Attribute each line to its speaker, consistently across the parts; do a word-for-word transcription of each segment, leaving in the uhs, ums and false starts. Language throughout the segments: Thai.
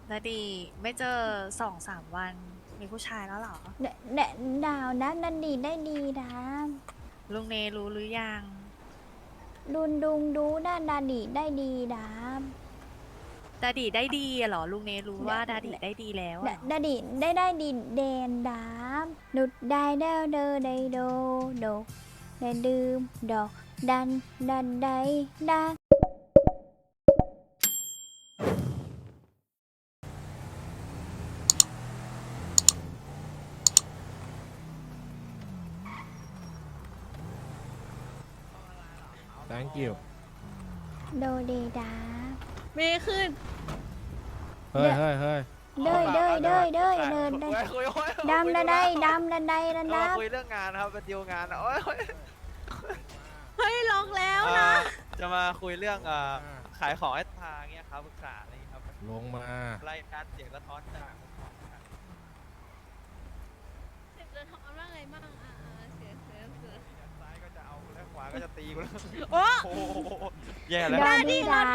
Speaker 1: นาดีไม่เจอสองสามวันมีผู้ชายแล้วเหรอ
Speaker 2: เดเดดาวนะนันดีได้ดีนะ
Speaker 1: ลุงเนรู้หรือยัง
Speaker 2: ดุนดุงดูด้านดาดีได้ดีนะ
Speaker 1: ดาดีได้ดีอะเหรอลุงเนรู้ว่าดาดีได้ดีแล้ว
Speaker 2: ด
Speaker 1: อะเหรอ
Speaker 2: ดาดีได้ได้ดีเดนดานุดได้เดาเดอได้โดโดได้ดื่มดอกดันดันได้ดา
Speaker 3: thank you
Speaker 2: โดเดดา
Speaker 1: เมย์ขึ้น
Speaker 3: เฮ้ยเฮ้ยเฮ้ย
Speaker 2: เด้ยเด้ยเด้ยเด้ยเดิน
Speaker 4: คุยคุยคุย
Speaker 2: ดำดาได้ดำดันได้ดัน
Speaker 4: เรา
Speaker 2: ดา
Speaker 4: คุยเรื่องงานนะครับเป็นดีลงานโอ้ย
Speaker 1: เฮ้ยลองแล้ว
Speaker 4: เอ่
Speaker 1: นะ
Speaker 4: อจะมาคุยเรื่องเอ่อขายของให้ทางเงี้ยครับปรึกษาอะไรอย่างเงี้ยครับ
Speaker 3: ลงมา
Speaker 4: รายการเสียงสะท้อนจาก
Speaker 5: เสียงจะทำว่าไงบ้างอ่าเสียงเสียงเสียง
Speaker 4: ซ้ายก็จะเอาแล้วขวาก็จะตีกูแล้ว
Speaker 1: โอ้
Speaker 4: โอ้โหแย่แล้ว
Speaker 2: ดาดีดา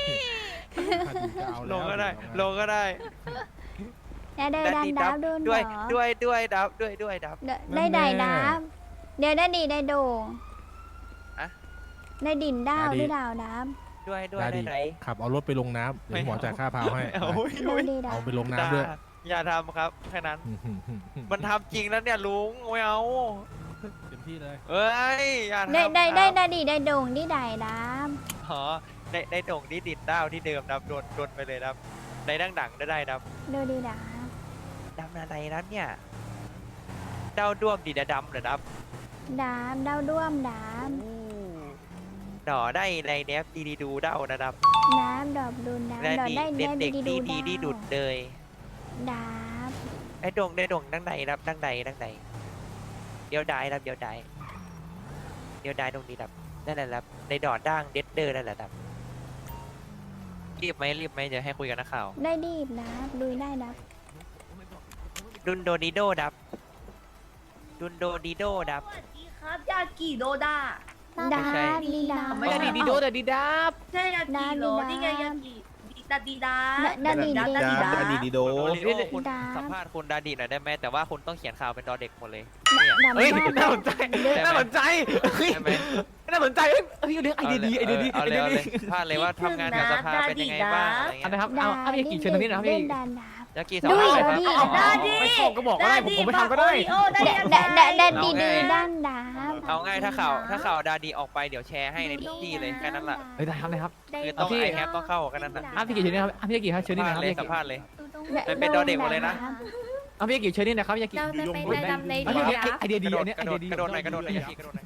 Speaker 4: ลงก็ได้ลงก็ได้
Speaker 2: อย่าเดินดันดาบดุน
Speaker 4: ด้วย
Speaker 2: เหรอ
Speaker 4: ด้วยด้วยดับด้วยด้วยดับ
Speaker 2: เดได้ได้ดาบเดี๋ยวได้ดีได้โด่ง
Speaker 4: อะ
Speaker 2: ได้ดินดาวได้ดาวดาบ
Speaker 4: ด้วยด้วย
Speaker 3: ดา
Speaker 4: ได้
Speaker 3: ดี
Speaker 4: ไหน
Speaker 3: ขับเอารถไปลงน้ำเดี๋ยวหมอจ่ายค่าพาวให้
Speaker 4: โอ้ย
Speaker 2: โด
Speaker 4: โอ้ย
Speaker 2: ดีดา
Speaker 3: เอาไปลงน้ำด้วย
Speaker 4: อย่าทำครับแค่นั้น มันทำจริงแล้วเนี่ยลุงไม่เอา
Speaker 3: เต็มที่เลย
Speaker 4: เอ้ยอย่าทำ
Speaker 2: ได้ได้
Speaker 4: ค
Speaker 2: ได้
Speaker 4: รับ
Speaker 2: ได้ดีได้โด่งได้ได้ดาบ
Speaker 4: อ๋อได้ได้โด่งที่ดินดาวที่เดิมนะครับโดนโดนไปเลยนะครับได้ดังดังได้ได้นะครับ
Speaker 2: โดดีดาบ
Speaker 4: ดำอะไรนั้นเนี่ยดาวด้วมดีดาดำเหรอครับ
Speaker 2: ดาบดาวด้วมดาบ
Speaker 4: ดอได้ในเนฟดีดีดูดาวนะครับ
Speaker 2: ดาบดอกดุนดาบ
Speaker 4: และ
Speaker 2: ดอก
Speaker 4: ดี
Speaker 2: ได้
Speaker 4: เด็
Speaker 2: ได้
Speaker 4: กเด็ก
Speaker 2: ดี
Speaker 4: ดี
Speaker 2: ดู
Speaker 4: ดี
Speaker 2: ดาว
Speaker 4: ดีดุดเลย
Speaker 2: ดาบ
Speaker 4: ไอ้โด่งได้โด่งดังใดครับดังใดดังใดเดี๋ยวได้ครับเดี๋ยวได้เดี๋ยวได้ตรงนี้ครับนั่นแหละครับในดอดด่างเด็ดเดอร์นั่นแหละครับรีบไหมรีบไหมเดี๋ยวให้คุยกันนักข่าว
Speaker 2: ได้ดีบดาบดุยได้ดาบ
Speaker 4: ดุนโดดีโดดับดุนโดดีโดดับ
Speaker 5: สวัสดีครับยากิโดดา
Speaker 2: ดา
Speaker 4: ไม่ใช่
Speaker 2: บดีดาบ
Speaker 1: ไม่ได้
Speaker 4: ดี
Speaker 1: ดีโดแต่ดีดาบ
Speaker 5: ใช่ยากิโด
Speaker 2: ดาดิดา
Speaker 5: นี่ไงยากิดีดาดีดา
Speaker 2: ดาดิดา
Speaker 5: ดาดีดา
Speaker 6: ดาดีดีโด
Speaker 4: โอริโอคุณ
Speaker 2: ดา
Speaker 4: สัมภาษณ์คุณดาดีหน่อยได้ไหมแต่ว่าคุณต้องเขียนข่าวเป็นดอเด็กหมดเลย
Speaker 2: ดาบ
Speaker 6: เฮ้ย
Speaker 2: ดาบ
Speaker 6: น่าสนใจ น่าสนใจเฮ้ย
Speaker 4: ใช่ไหม
Speaker 6: น่าสนใจเฮ้ยเฮ้ยเรื่องไอเดียดีไอเดียดี
Speaker 4: เอา
Speaker 6: ไอ
Speaker 4: เล
Speaker 6: เดี
Speaker 4: ย
Speaker 6: ย
Speaker 4: เอา
Speaker 6: ดี
Speaker 4: เลยพลาดเลยว่าทำงานกับสภาเป็นยังไงบ้างอะไร
Speaker 6: อั
Speaker 4: เงี้
Speaker 6: น
Speaker 4: ย
Speaker 6: นะครับเอาเอาพี่กี่เชิญตรงนี้นะครับพี่
Speaker 2: เล่นดาบดาบ
Speaker 4: ยากิสัม
Speaker 2: ดุ
Speaker 4: ภาย ษณ์หน่อย
Speaker 2: ดุ
Speaker 4: ครับ
Speaker 2: ย
Speaker 5: ดาดี
Speaker 6: ไม่ชอบก็บอกก็ได้ผมผมไม่ทำก็ได้
Speaker 5: โอ้ได้
Speaker 2: ดา
Speaker 5: ยัง
Speaker 2: ดาดาดาดี
Speaker 4: เอาไง
Speaker 2: ดีด้านดาบ
Speaker 4: เอาง่ายถ้าข่าวถ้าข่าวดาดีออกไปเดี๋ยวแชร์ให้ในทุกที่เลยแค่นั้นแหละ
Speaker 6: เฮ้ยได้ครับได้ครับ
Speaker 4: คือต้องไอแฮปต้องเข้ากันนั้นนะ
Speaker 6: อ่ะพี่กี่เชิญนี่ครับอ่ะพี่กี่ครับเชิญนี่
Speaker 4: สัม
Speaker 6: นะ
Speaker 4: ภา
Speaker 6: ค
Speaker 4: ษ
Speaker 6: รับ
Speaker 4: ณ์เลย
Speaker 6: พี่
Speaker 4: สัมภาษณ์เลย
Speaker 2: ดา
Speaker 4: เป็นดอเด็กหมดเลยนะ
Speaker 6: อ่ะพี่กี่เชิญนี่นะครับพี่กี่
Speaker 5: เราจะไปดำใน
Speaker 6: อ่ะ
Speaker 5: ดี
Speaker 6: พี่
Speaker 5: ดา
Speaker 6: ไอเดีย
Speaker 4: ก
Speaker 6: ดี
Speaker 4: ระโด
Speaker 6: อั
Speaker 4: ด
Speaker 6: นนี้
Speaker 4: ก
Speaker 6: ไอ
Speaker 4: ระโด
Speaker 6: เดีย
Speaker 4: ด
Speaker 6: ดี
Speaker 4: กระโดดหน่อยกระโดดหน่อยยากิกระโดดหน่อย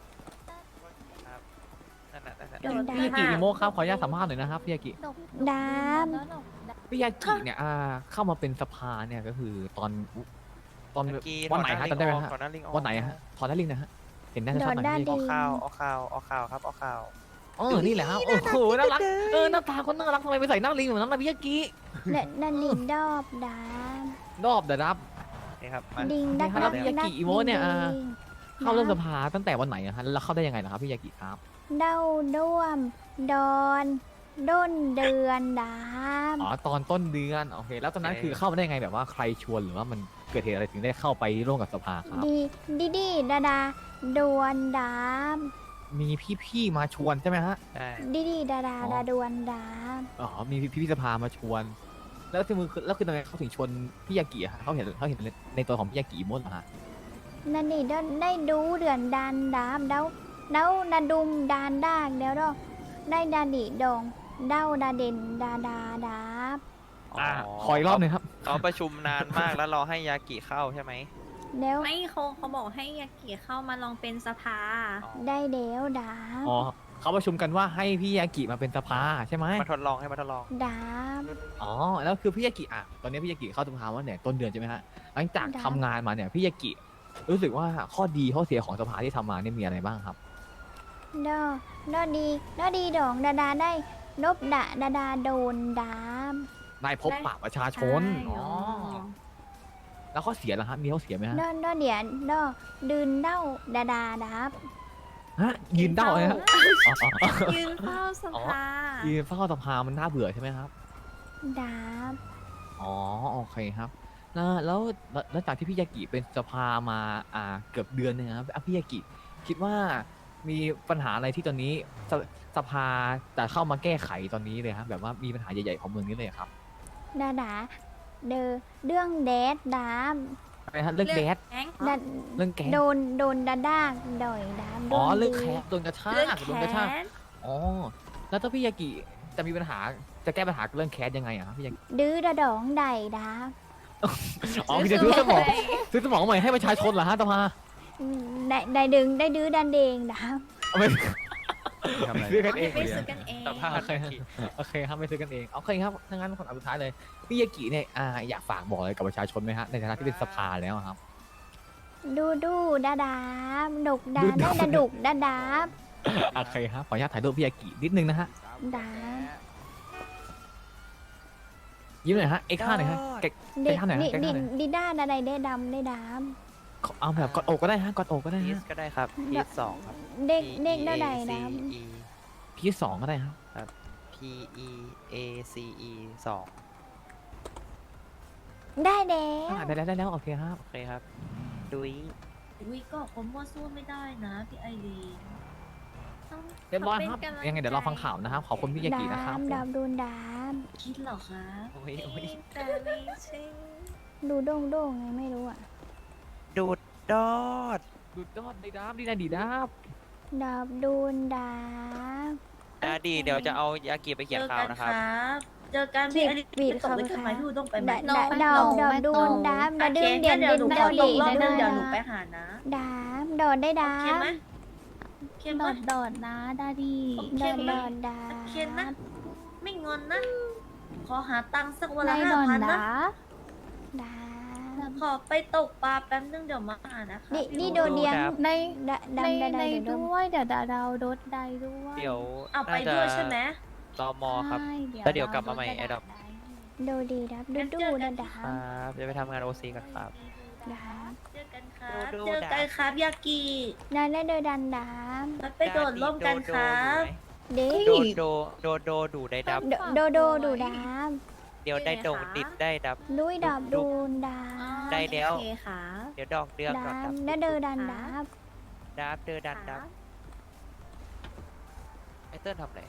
Speaker 4: นั่นน่ะนั่นน่ะ
Speaker 5: โดด
Speaker 6: พี่กี่อีโมครับขออนุญาตสัมภาษณ์หน่อยนะครับพี่กี่
Speaker 2: ดาบ
Speaker 6: พี่ยากิเนี่ยอ่าเข้ามาเป็นสภาเนี่ยก็คือตอนตอน
Speaker 4: เมื่อกี้
Speaker 6: วันไหนฮะจำได้ไหมฮะ
Speaker 4: ก่อนหน้าลิงออก
Speaker 6: วันไหนฮะถอนได้ลิงก์นะฮะเห็นหน้าชัดๆหน่อย
Speaker 2: ดอดด้าน
Speaker 6: พี่
Speaker 2: ดี
Speaker 4: ออกข่าวออกข่าวออกข่าวครับออกข่าว
Speaker 6: เออนี่แหละฮะโอ้โหน่ารักเออหน้าตาคนน่ารักทำไมไปใส่หน้าลิงเหมือนน้ำลายพี่ยากิ
Speaker 2: ดาดาดิดอบดาบ
Speaker 6: รอบเดรับ
Speaker 4: นี่ครับมา
Speaker 2: ดิงดัก
Speaker 6: นี่ครับ
Speaker 2: ดัก
Speaker 6: พี่ยากิอีโมเนี่ยอ่า เข้าร่วมสภาตั้งแต่วันไหนอะฮะแล้วเข้าได้ยังไงนะครับพี่ยากิครับ
Speaker 2: เด้าด้วม ดอนด้นเดือนดาบ
Speaker 6: อ๋อตอนต้นเดือนโอเคแล้วตอนนั้นคือเข้ามาได้ยังไงแบบว่าใครชวนหรือว่ามันเกิดเหตุอะไรถึงได้เข้าไปร่วมกับสภาครับ
Speaker 2: ดีดีดีดาดาดวนดาบ
Speaker 6: มีพี่ๆมาชวนใช่ไหมฮะ
Speaker 4: ใช่
Speaker 2: ดีดีดาดา
Speaker 6: อ๋อ
Speaker 2: ดาดวนดาบ
Speaker 6: อ๋อมีพี่ๆสภามาชวน แล้วคือมือแล้วคือทำไมเขาถึงชวนพี่ยากิอะฮะเขาเห็นเขาเห็นในตัวของพี่ยากิอีโมดเหรอฮะ
Speaker 2: นั่นนี่ได้ได้ดูเดือนดานดาบเด้าเด้าดาดุมดานดากเดี๋ยวดอกได้ดาดิดองเด้าดาเด่นดาดาดาบ
Speaker 6: อ่าขออีกรอบหนึ่งครับ
Speaker 4: เขาประชุมนานมากแล้วรอให้ยากิเข้าใช่ไหม
Speaker 2: เดี๋ยว
Speaker 1: ไม่เขาเขาบอกให้ยากิเข้ามาลองเป็นสภา
Speaker 2: ได้เดี๋ยวดาบ
Speaker 6: อ๋อเขาประชุมกันว่าให้พี่ยากิมาเป็นสภาใช่ไหม
Speaker 4: มาทดลองให้มาทดลอง
Speaker 2: ดาบ
Speaker 6: อ๋อแล้วคือพี่ยากิอ่ะตอนนี้พี่ยากิเข้าสภาว่าเนี่ยต้นเดือนใช่ไหมฮะหลังจาก
Speaker 2: ได้
Speaker 6: ทำงานมาเนี่ยพี่ยากิรู้สึกว่าข้อดีข้อเสียของสภาที่ทำมาเนี่ยมีอะไรบ้างครับ
Speaker 2: ดอดอดีดอดีดองดาดาได้นบดะดาดาโดนดาบ
Speaker 6: นายพบปะประชาชนอ๋อแล้วข้อเสียล่ะครับมีข้อเสียไหมฮะ
Speaker 2: ดอดอเดียนดอดืนเด้าดาดาดาบ
Speaker 6: ฮะยืนเด้าเลยฮะอ๋ออ๋ออ๋อ
Speaker 1: ยืนเฝ้าสภา
Speaker 6: ยืนเฝ้าสภามันน่าเบื่อใช่ไหมครับ
Speaker 2: ดาบ
Speaker 6: อ๋อโอเคครับแล้วแล้วแล้วแล้วจากที่พี่ยากิเป็นสภามาอ่าเกือบเดือนหนึงครับอ่ะพี่ยากิคิดว่ามีปัญหาอะไรที่ตอนนี้สสภาจะเข้ามาแก้ไขตอนนี้เลยครับแบบว่ามีปัญหาใหญ่ๆของเมืองนี้เลยครับ
Speaker 2: ดาดาเดอเรื่องแดดดาม
Speaker 6: อะไรฮะเรื่องแดด
Speaker 1: แก๊ง
Speaker 2: ดา
Speaker 6: เรื่องแก๊ง
Speaker 2: โดนโดนดาดากด่อยดาม
Speaker 6: อ๋อ
Speaker 2: โดน
Speaker 6: เรื่อง
Speaker 2: ดื้
Speaker 6: แคสโดนกระชา
Speaker 1: เรื่อง
Speaker 6: กโดนกระชาก
Speaker 1: แค้น
Speaker 6: อ๋อแล้วถ้าพี่ยากิจะมีปัญหาจะแก้ปัญหาเรื่องแคสยังไงอะครับพี่ยากิ
Speaker 2: ดื้อดาดองใดดาม
Speaker 6: อ๋อคือจะซื้อสมองซื้อสมองใหม่ให้ประชาชนเหรอฮะสภา
Speaker 2: ได้ได้ดึงได้ดื้อดันเดงดาม
Speaker 6: เอาไม่
Speaker 3: ทำอะไร
Speaker 6: ซื้อกันเอง
Speaker 1: ไม่ซื้อกันเอง
Speaker 4: สภาพ
Speaker 6: โอเคโอเคครับไม่ซื้อกันเองโอเคครับถ้างั้นคนอันสุดท้ายเลยพี่ยากิเนี่ยอ่าอยากฝากบอกอะไรกับประชาชนไหมฮะในฐานะที่เป็นสภาแล้วอะครับ
Speaker 2: ดูดูดาดามดุกดา
Speaker 6: ดูดู
Speaker 2: ได้ดาดุกดาดาม
Speaker 6: โอเคครับขออนุญาตถ่ายรูปพี่ยากินิดนึงนะฮะ
Speaker 2: ดาม
Speaker 6: ยิ้มหน่อยฮะเอ็กซ์ห้าหน่อยฮะเก๊ก
Speaker 2: เด็ก
Speaker 6: ท่าไหนฮะ
Speaker 2: ดิ
Speaker 6: แกท่าไหน
Speaker 2: ดิดิด้าดาใดได้ดำได้ดาม
Speaker 6: เอาแบบกอดอกก็ได้ฮะกอดอกก็ได้
Speaker 4: พีส
Speaker 6: ฮะ
Speaker 4: ก็ได้ครับพีสสองครับ
Speaker 2: เด็ก
Speaker 4: P
Speaker 2: เด็ก
Speaker 4: E
Speaker 2: ได้
Speaker 4: A
Speaker 2: ใด
Speaker 4: C
Speaker 2: ดาม
Speaker 4: E
Speaker 6: พี่สองก็ได้ครับ
Speaker 4: P E A C E สอง
Speaker 2: ได้แล้
Speaker 6: อ่าว ได้แล้วได้แล้วโอเคครับ
Speaker 4: โอเคครับดุย
Speaker 7: วิก็คนมั่วสู้ไม่ได้นะพี่ไอรีนต้อง
Speaker 6: เรียบร้อย
Speaker 1: ขอเป็น
Speaker 6: ครับ
Speaker 1: กำลัง
Speaker 6: ยังไงเดี๋ยวเราฟังข่าวนะครับขอบคุณพี่ยากิ
Speaker 2: ดา
Speaker 6: นะครับ
Speaker 2: มดามโดนดาม
Speaker 7: คิดเหรอคะ
Speaker 4: โอ้ยโอ้ย
Speaker 1: แต่ไม่ใช่
Speaker 2: ดูโด่งโด่งไงไม่รู้อ่ะ
Speaker 4: ดูดดอด
Speaker 6: ดูดอดดีดับดีดับดีดับ
Speaker 2: ดาบโดนดาม
Speaker 4: นะดีเดี๋ยวจะเอายากิไปเขียนข่าวนะครับ
Speaker 7: เจอกันพี่ไอรีน
Speaker 2: บีด
Speaker 7: จะตก
Speaker 2: คำ
Speaker 7: ไปขึ้นไหม
Speaker 2: ค่ะ
Speaker 7: พี่ต้องไปไหม
Speaker 2: ดาดาดอมดอมโดนดามดาดื้อเดียน
Speaker 7: เดี๋ยว
Speaker 2: ดิ
Speaker 7: หนู
Speaker 2: น
Speaker 7: ข
Speaker 2: ดา
Speaker 7: อล
Speaker 2: ดี
Speaker 7: งรอบนึง
Speaker 2: ดา
Speaker 7: เดี๋ยวหนูไปหานะ
Speaker 2: ดามดอดได้ดา
Speaker 7: โอเค
Speaker 2: ม
Speaker 7: ไหมโอเคไหม
Speaker 1: ดอดดอดนะดาดี
Speaker 7: โอ
Speaker 2: ด
Speaker 7: เค
Speaker 2: อด
Speaker 7: ไหม
Speaker 2: ดอดดา
Speaker 7: โอเคนะ ไม่งอนนะ ขอหาตังค์สักวัน
Speaker 1: ใน
Speaker 7: ละ
Speaker 1: ด
Speaker 7: ห้า
Speaker 1: อน
Speaker 7: พัน
Speaker 1: ดา
Speaker 7: นะ
Speaker 2: ดาม
Speaker 7: ขอไปตกปลาแป๊บนึงเดี๋ยวมาหานะคะ
Speaker 2: นี่
Speaker 7: พี่
Speaker 2: นี่
Speaker 7: โด
Speaker 2: โดนเลี้ยง
Speaker 4: ครับ
Speaker 1: ใน
Speaker 2: ดา
Speaker 1: ใน
Speaker 2: ดำดา
Speaker 1: ใน
Speaker 2: ดาเดี๋ยวโดน
Speaker 1: ด้วยเดี๋ยวดาดาวโดดได้ด้วย
Speaker 4: เดี๋ยว
Speaker 7: เอาไป
Speaker 4: น่าจะ
Speaker 7: ด้วยใช่ไหม
Speaker 4: ตมครับ
Speaker 1: ใช่
Speaker 4: แล้วเดี๋ยวกลับมาใหม่
Speaker 1: ด
Speaker 4: แอดดอป
Speaker 1: ได้
Speaker 2: โดดีดับดู
Speaker 7: งั้น
Speaker 2: ดู
Speaker 7: เจอกั
Speaker 2: ดาน ดา
Speaker 4: ครับจะไปทำงานโอซีกันครับ
Speaker 2: ดาม
Speaker 7: เจอกันครับ
Speaker 4: ดู
Speaker 7: เจอ
Speaker 4: ดา
Speaker 7: กันครับยากิ
Speaker 2: ดาและโดดันดาม
Speaker 7: มันไปโดดร่วมกันครับ
Speaker 2: เด็
Speaker 4: โดโดโดโดดูได้ดับ
Speaker 2: โดโดดูดาม
Speaker 4: เดี๋ยวได้ดงดิดได้ดับ
Speaker 2: ลุยดับดูนดา
Speaker 7: อ๋อ
Speaker 2: ม
Speaker 4: ได้แล้ว
Speaker 7: โอเคค่ะ
Speaker 4: เดี๋ยวดอกเดือกด
Speaker 2: ดา
Speaker 4: อกดั
Speaker 2: ม
Speaker 4: บ
Speaker 2: และเดอดันดาบ
Speaker 4: ดับเดอดันดับไอเติ้ลทำอะไร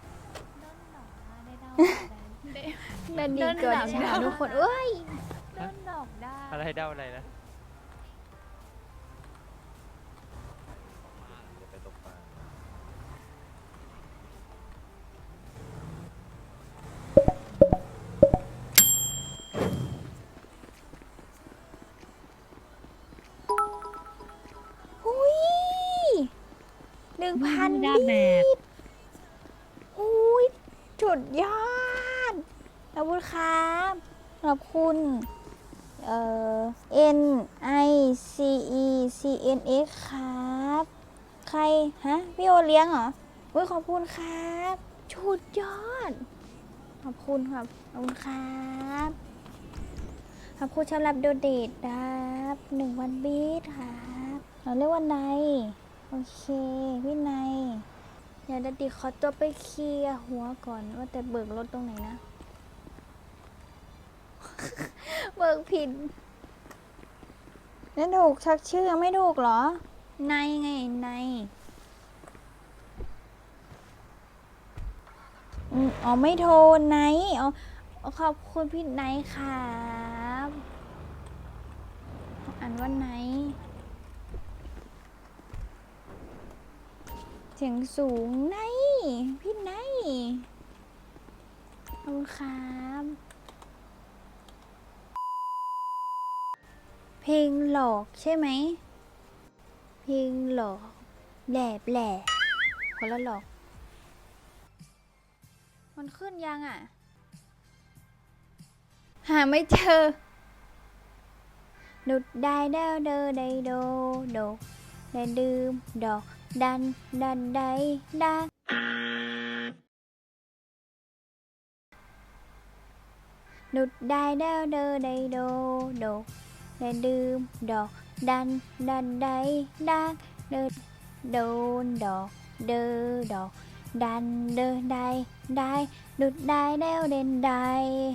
Speaker 2: ดันดีเกิดฉาทุกคนเอ้ย
Speaker 1: เดินดอกได้
Speaker 4: อะไรเดาอะไรนะ
Speaker 2: หุยหนึ่งพัน
Speaker 1: ดา
Speaker 2: บี
Speaker 1: แบก
Speaker 2: หุยจุดยอดขอบคุณครับขอบคุณ เอ่อ N I C E C N X ครับ ใคร ฮะ พี่โอเลี้ยงเหรออุ้ยขอบคุณครับชุดยอด ขอบคุณครับ ขอบคุณครับ ขอบคุณสำหรับโดเดทครับหนึ่งวันบีทครับเราเรียกว่าไนโอเค พี่ไนเดี๋ยวดดดิขอตัวไปเคลียร์หัวก่อนว่าแต่เบิกรถตรงไหนนะ เบิกผิดแล้วถูกชักชื่อไม่ถูกเหรอ ไนไงไนอืมอ๋อไม่โทรไนอ๋อขอบคุณพี่ไนครับอ่านว่าไนเสียงสูงไนพี่ไนขอบคุณครับเพลงหลอกใช่ไหมเพลงหลอกแหลบแหล่คนละหลอกมันขึ้นยังอ่ะ หาไม่เจอดุดได้ดาวเดอได้โดโดได้ดื่มดอกดันดันได้ดันดุดได้ดาวเดอได้โดโดได้ดื่มดอกดันดันได้ดันเดินโดนดอกเดอดอกดันเดอได้ได้ดุดได้แล้วเด่นได้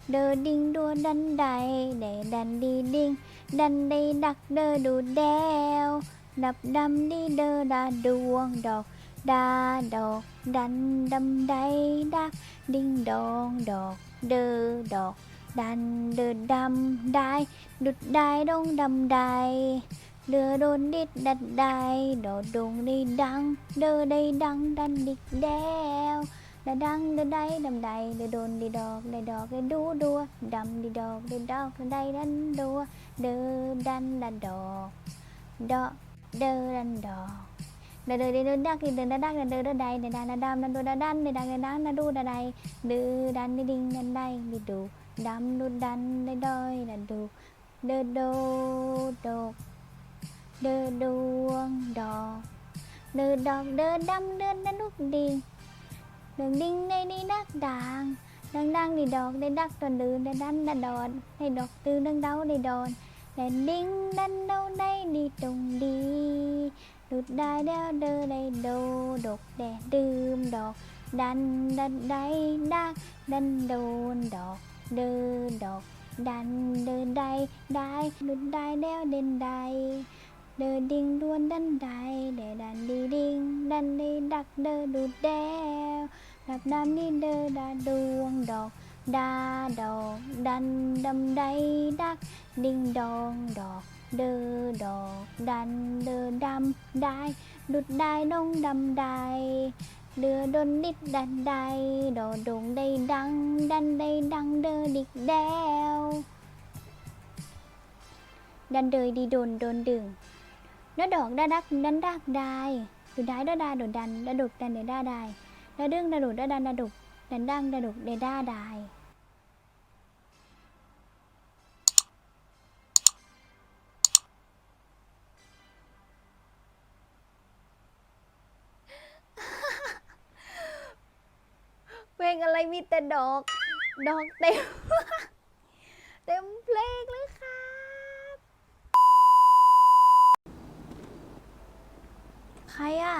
Speaker 2: เดอดิงดัวดันใดเดดันดีดิงดันได้ดักเดอดูแดวดับดำดีเดอดาดวงดอกดาดอกดันดำใดดักดิ้งดองดอกเดอดอกดันเดอดำได้ดุดได้ดงดำใดเดอโดนดิดดัดได้ดอดงได้ดังเดอได้ดังดันดิกแดวดาดังเดอได้ดำใดเดอโดนดีดอกได้ดอกได้ดูดัวดำดีดอกได้ดอกได้ดันดัวเดอดันดันดอกดอกเดอดันดอกเดอเดอเดอเดอดักเดอเดอดักเดอเดอเดอใดเดอดันดำดันดูดาดันเดอดังเดอดังดาดูดาใดเดอดันดิดิงดันใดดิดูดำดูดันได้ดอยดันดูเดอโดดอกเดอดวงดอกเดอดอกเดอดำเดอดันลูกดิงเดิงดิงในนี่ดักด่างดังดังดีดอกได้ดักตอนดื้อได้ดันได้ดอนได้ดอกตื้อดังเดาได้ดอนได้ดิงดันเดาได้ดีตรงดีดุดได้เดาเดอได้โดดกแดดดื่มดอกดันดันได้ดักดันโดนดอกเดอดอกดันเดอได้ได้ดุดได้เดาเด่นได้เดอดิงดวนดันได้เดดันดีดิงดันดีดักเดอดุดแดวดับดำดีเดอดาดวงดอกดาดอกดันดำได้ดักดิงดองดอกเดอดอกดันเดอดำได้ดุดได้ดงดำได้เดือดนดิดดันได้ดอดงได้ดังดันได้ดังเดอดิกแดวดันเดยดีโดนโดนดึงน้าดอกดาดักดันดักได้ดุดได้ดาดาดุดดันดาดุกดันเดด้าได้ดาดึงดาดุดดาดันดาดุกดันดังดาดุกเดด้าได้เพลงอะไรมีแต่ดอกดอกเต็ม เต็มเพลงเลยครับใครอ่ะ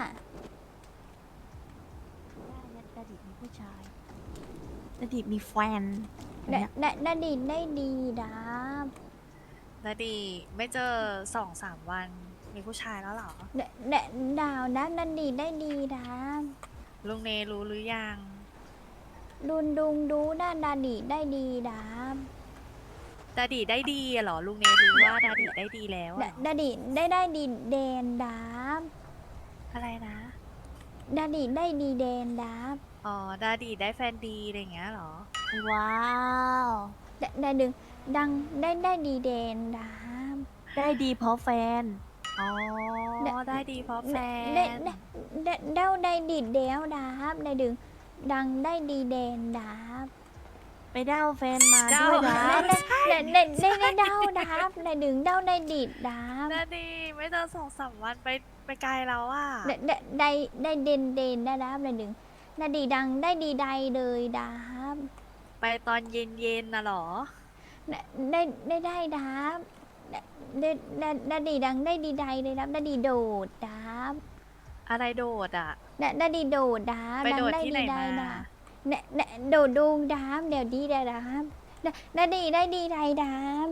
Speaker 1: ดาดิมีผู้ชายดาดิมีแฟน
Speaker 2: ดาดาดาดีได้ดีดาบ
Speaker 1: ดาดิไม่เจอสองสามวันมีผู้ชายแล้วเหรอ
Speaker 2: ดาดาดาวดาดาดีได้ดีดาบ
Speaker 1: ลุงเนรู้หรือยัง
Speaker 2: ดุนดุงดูดาดาดีได้ดีดาบ
Speaker 1: ดาดิได้ดีอะเหรอลุงเนรู้ว่าดาดิได้ดีแล้ว
Speaker 2: ดา
Speaker 1: อะ
Speaker 2: ดาดีได้ได้ดีแดนดาบ
Speaker 1: อะไรนะ
Speaker 2: ดาดีได้ดีแดนดาบ
Speaker 1: อ๋อดาดิได้แฟนดีอะไรอย่างเงี้ยเหรอ
Speaker 2: ว้าวดาดาดึงดังได้ได้ดีแดนดาบ
Speaker 8: ได้ดีเพราะแฟน
Speaker 1: อ๋อ
Speaker 2: ได้
Speaker 1: ได้ดีเพราะแฟน
Speaker 2: ได้ได้ได้เด้าได้ดีเดวดาบได้ดึงดังได้ดีแดนดาบ
Speaker 8: ไปเด้าแฟนมา
Speaker 1: เด้า
Speaker 8: ด้วยนะ
Speaker 2: ได้ได้ได้ได้ได้เด้าดาบได้ดึงเด้าได้ดีดดาบ
Speaker 1: ดาดิไม่เจอสองสามวันไปไปไกลแล้วอ่ะ
Speaker 2: ได้ได้ได้ได้เด่นเด่นได้ดาบได้ดึงได้ดีดังได้ดีใดเลยดาบ
Speaker 1: ไปตอนเย็นเย็นๆนะเหรอ
Speaker 2: ได้ได้ได้ได้ดาบได้ได้ได้ได้ดีดังได้ดีใดเลยดาบได้ดีโดดดาบ
Speaker 1: อะไรโดดอ่ะ
Speaker 2: ได้ได้ดีโดดดาบ
Speaker 1: ไปโดด
Speaker 2: งได้
Speaker 1: ที่ไหน
Speaker 2: ได้
Speaker 1: มา
Speaker 2: ดาบได้ได้โดดดูดาบเดี๋ยวดีได้ดาบได้ได้ดีได้ดีใดดาบ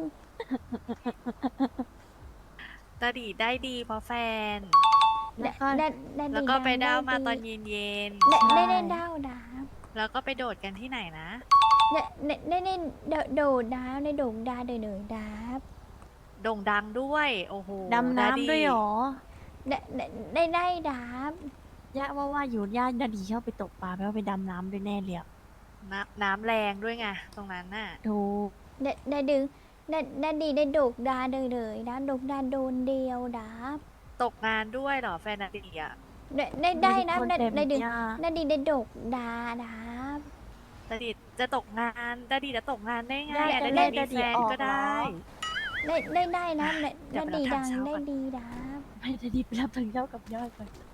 Speaker 1: ดาดิได้ดีเพราะแฟน
Speaker 2: ได้ได้ได้ดี
Speaker 1: แล้วก็ไป
Speaker 2: ง
Speaker 1: เด้ามา
Speaker 2: ดี
Speaker 1: ตอนเย็นเย็น
Speaker 2: ได้ได้ได้เด้าดาบ
Speaker 1: ๆแล้วก็ไปโดดกันที่ไหนนะ
Speaker 2: ได้ได้ได้ได้โดดโดดดาบได้โดดดาเดยเดยดาบ
Speaker 1: โด่งดังด้วย โอ้โห
Speaker 8: ดำน้ำด้วยเหรอ
Speaker 2: ได้ได้ได้ได้ดาบ
Speaker 8: ย่าว่าว่าอยู่ย่าดาดีชอบไปตกปลาไม่ว่าไปดำน้ำด้วยแน่เลยอะ
Speaker 1: น้ำน้ำแรงด้วยไง ตรงนั้นน่ะ
Speaker 8: ถูก
Speaker 2: ได้ได้ดึงได้ได้ดีได้โดดดาเดยเดยดาโดดดาโดนเดียวดาบ
Speaker 1: ตกงานด้วยเหรอแฟนดาดิอ่ะ
Speaker 2: ได้ได้ได้นะ
Speaker 8: คน
Speaker 2: ได้
Speaker 8: เต็ม
Speaker 2: ได้ดึง
Speaker 8: ย่า
Speaker 2: ได้ดีได้โดดดาดาบ
Speaker 1: ดาดิจะตกงานดาดิจะตกงานได้ไง
Speaker 8: ย่า
Speaker 1: อ่ะ
Speaker 8: จะ
Speaker 1: ดา
Speaker 8: เล่
Speaker 1: ดิ
Speaker 8: น
Speaker 1: มี
Speaker 8: ดา
Speaker 1: แฟ
Speaker 8: ดี
Speaker 1: น
Speaker 8: ออก
Speaker 1: ก็
Speaker 8: เหรอ
Speaker 1: ได้
Speaker 2: ได้ได้ได้นะได้
Speaker 1: เดี๋ยว
Speaker 2: ได้
Speaker 1: ไป
Speaker 2: ดี
Speaker 1: รับ
Speaker 2: ดัง
Speaker 1: ทางเช้า
Speaker 2: ได้
Speaker 1: ก่อน
Speaker 2: ดีดาบ
Speaker 8: ไม่ดาดีไปรับทางเจ้ากับย่าก่อน